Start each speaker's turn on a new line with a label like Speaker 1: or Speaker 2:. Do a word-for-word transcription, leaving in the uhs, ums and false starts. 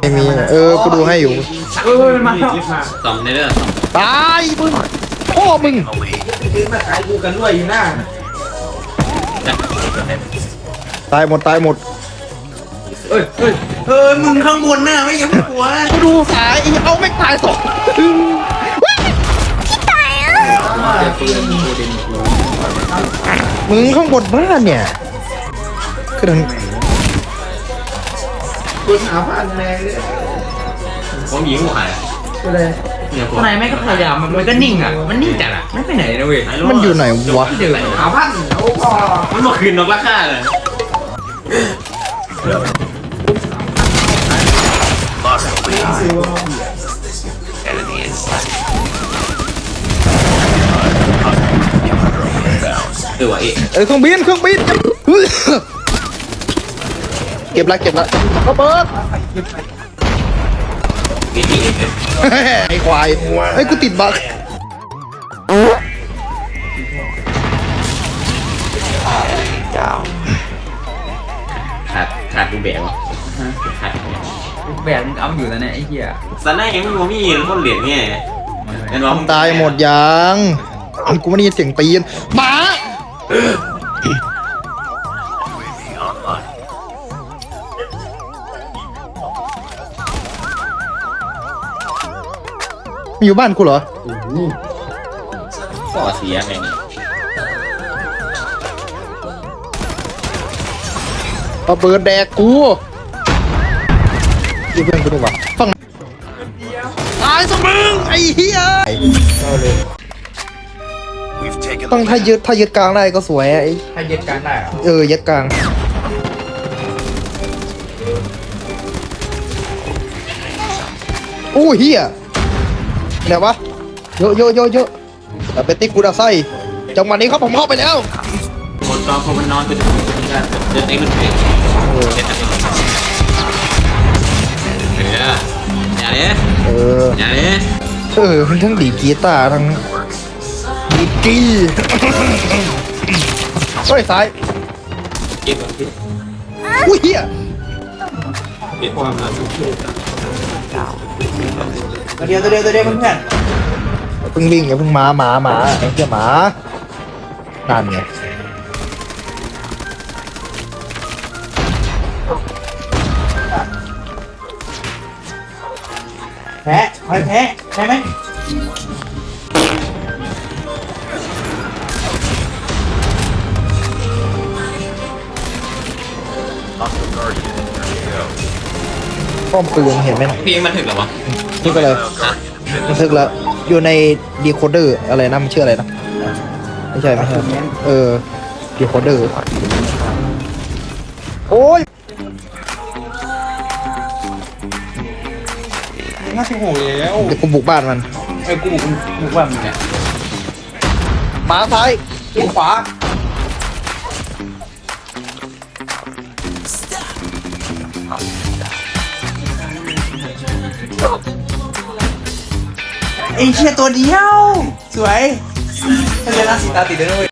Speaker 1: ไม่มีเออกูดูให้อยู่
Speaker 2: เออมาแล้ว
Speaker 3: สองในเรื่อง
Speaker 1: ตายมึงพ่อมึง
Speaker 2: ซื้อมาขายกูกันด้วยอยู่หน้า
Speaker 1: ตายหมดตายหมด
Speaker 2: เอ้ยเอ้ยเออมึงข้างบนน่ะไม่ยังไม่กลัว
Speaker 1: กูดูสายเอาไม่ตายสอง
Speaker 3: เจอปืนโคเดนคู
Speaker 1: มึงข้างบนบ้านเนี่ยคือทาง
Speaker 2: กูหาพันแรงเลย
Speaker 3: ผมยิงหัวใคร
Speaker 2: ก็เลย
Speaker 3: เนี่ยผม
Speaker 4: ข้างในไม่ก็พยายามมันก็นิ่งอ่ะมันนิ่งจัดอ่ะไม่ไปไหนนะเว้ย
Speaker 1: มันอยู่ไหนวะ
Speaker 4: เดี๋ยว
Speaker 2: หาพันโอ้พ่อ
Speaker 3: มันมาคืนนกราคาเลยเออวะเอ๊ะ
Speaker 1: เออเครื่องบินเครื่องบินเก็บละเก็บละระเบิด
Speaker 3: เอ๊ะเอ๊ะเอ๊ะ
Speaker 1: ไอ้ควายไอ้กูติดบั๊ก
Speaker 3: ขาดขาดกูแบกวะขาด
Speaker 4: แบกมึงเอาอยู่แล้วเนี่ยไอ้เหี้ย
Speaker 3: สันได้ยังไม่รู้มีคนเหรียญเนี่ยเห็นว่า
Speaker 1: ตายหมดยังกูไม่ได้ยินเสียงตีนหมามันอยู่บ้านกูเหรอ
Speaker 3: ก่อเสียไงนี่
Speaker 1: เอาเบิร์ดแดกกูยี่เพื่อนกูดีกว่าฟังตายสมึงไอ้เหี้ยต้องถ้ายึดถ้ายึดกลางได้ก็สวยอะไอ้
Speaker 4: ถ้ายึดการได้อะ
Speaker 1: เออยึดกลางโอ้เหี้ยเดี๋ยววะเยอะเยอะเยอะเยอะแต่เป็นติ๊กกูดาไส้จังหวะนี้ครับผมเข้าไปแล้ว
Speaker 3: คนตอนคนมันนอนเป็นเดินเองมันเองเห็นไหมอย่าเนี้ย
Speaker 1: เออ
Speaker 3: อย่าเนี้ย
Speaker 1: เออมันทั้งดีดกีตาร์ทั้งดีดกีเฮ้ยซ้าย
Speaker 3: เก็บเก็บ
Speaker 1: อุ้ยเหี้ย
Speaker 3: เก็บความรัก
Speaker 2: ตัวเดียวตัวเดียวตัวเดียวเพื่อน
Speaker 1: อย่าเพิ่งวิ่งอย่าเพิ่งมาหมาหมาไอ้เหี้ยหมานั่นไง
Speaker 2: แพ้แพ้แพ้แพ้ไหม
Speaker 1: ป้อมปืนเห็นไหมนะ
Speaker 3: เพลงมันถึงหรอวะ
Speaker 1: นี่ก็เลยมันทึกแล้วอยู่ในดีโคเดอร์อะไรนะมันชื่ออะไรนะไม่ใช่ไม่ใช่เออดีโคเดอร์โอ้ย
Speaker 2: น่าจะโหยแล้ว
Speaker 1: เดี๋ยวกูบุกบ้านมัน
Speaker 2: ไอ้กูบุกบุกว่ามึงเนี่ย
Speaker 1: หมาซ้าย
Speaker 2: กูขวาไอ้เชี่ยตัวเดียวสวยถ้าเจอหน้าสีตาติดเลยด้วย